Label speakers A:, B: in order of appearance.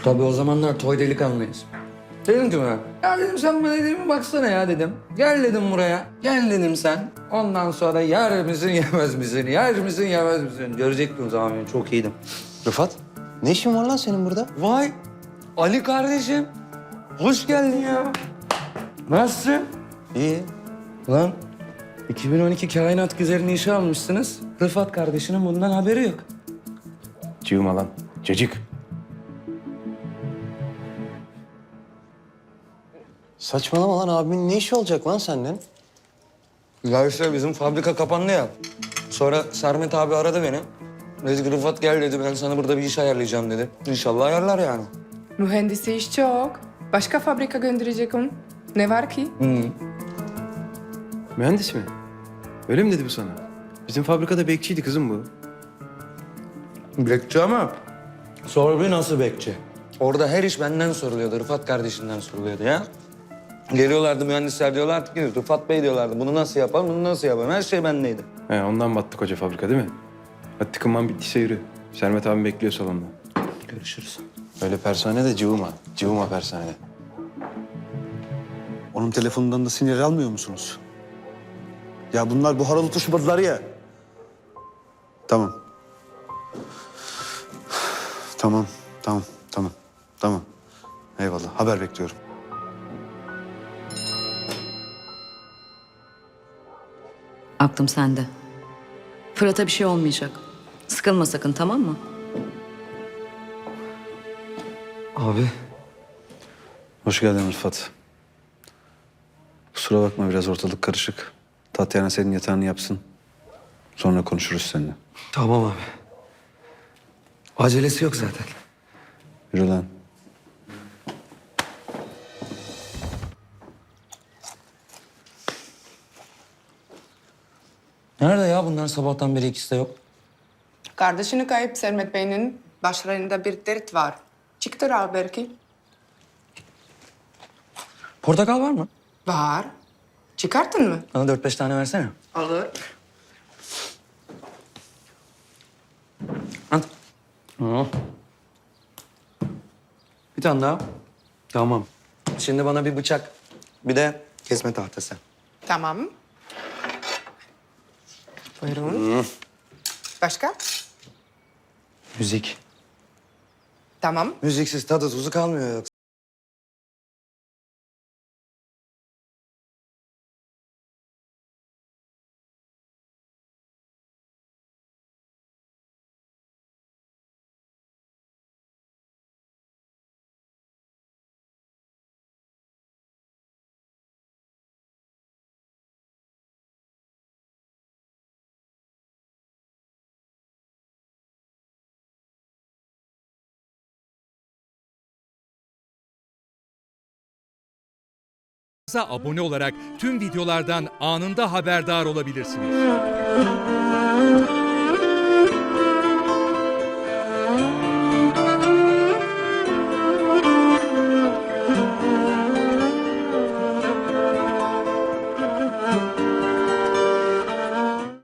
A: Tabii o zamanlar toy delikanlıyız. Dedim ki ben, ya dedim sen bana dedim baksana ya dedim. Gel dedim buraya, gel dedim sen. Ondan sonra yer misin yemez misin, yer misin yemez misin? Görecektin o zaman beni, çok iyiydim.
B: Rıfat, ne işin var lan senin burada?
A: Vay, Ali kardeşim. Hoş geldin ya. Nasılsın?
B: İyi.
A: Lan 2012 kainat güzelini işe almışsınız. Rıfat kardeşinin bundan haberi yok.
B: Cığıma lan, cacık. Saçmalama lan, abimin ne işi olacak lan senden?
A: Ya işte bizim fabrika kapandı ya. Sonra Sermet abi aradı beni. Dedi ki Rıfat gel dedi, ben sana burada bir iş ayarlayacağım dedi. İnşallah ayarlar yani.
C: Mühendisi iş çok. Başka fabrika gönderecek onu. Ne var ki?
B: Mühendis mi? Öyle mi dedi bu sana? Bizim fabrikada bekçiydi kızım bu.
A: Bekçi ama sor bir nasıl bekçi? Orada her iş benden soruluyordu, Rıfat kardeşinden soruluyordu ya. Geliyorlardı mühendisler, diyorlardı ki Rıfat Bey diyorlardı. Bunu nasıl yapalım, bunu nasıl yapalım? Her şey bendeydi.
B: He, ondan battı koca fabrika değil mi? Hadi tıkınman bittiyse yürü. Sermet abim bekliyor salonda.
A: Görüşürüz.
B: Öyle persane de cıvıma. Cıvıma persane.
D: Onun telefonundan da sinyal almıyor musunuz? Ya bunlar buhara tutuşmadılar ya. Tamam. Tamam. Eyvallah. Haber bekliyorum.
E: Aklım sende. Fırat'a bir şey olmayacak. Sıkılma sakın, tamam mı?
A: Abi.
D: Hoş geldin Rıfat. Kusura bakma, biraz ortalık karışık. Tatyana senin yatağını yapsın. Sonra konuşuruz seninle.
A: Tamam abi. Acelesi yok zaten.
D: Yürü lan.
A: Nerede ya bunlar, sabahtan beri ikisi de yok?
C: Kardeşini kayıp Sermet Bey'in başlarında bir dert var. Çıktılar belki.
A: Portakal var mı?
C: Var. Çıkarttın mı?
A: Bana 4-5 tane versene.
C: Olur.
A: At. Bir tane daha. Tamam. Şimdi bana bir bıçak, bir de kesme tahtası.
C: Tamam. Buyurun. Başka?
A: Müzik.
C: Tamam.
A: Müziksiz tadı tuzu kalmıyor yoksa.
F: Abone olarak tüm videolardan anında haberdar olabilirsiniz.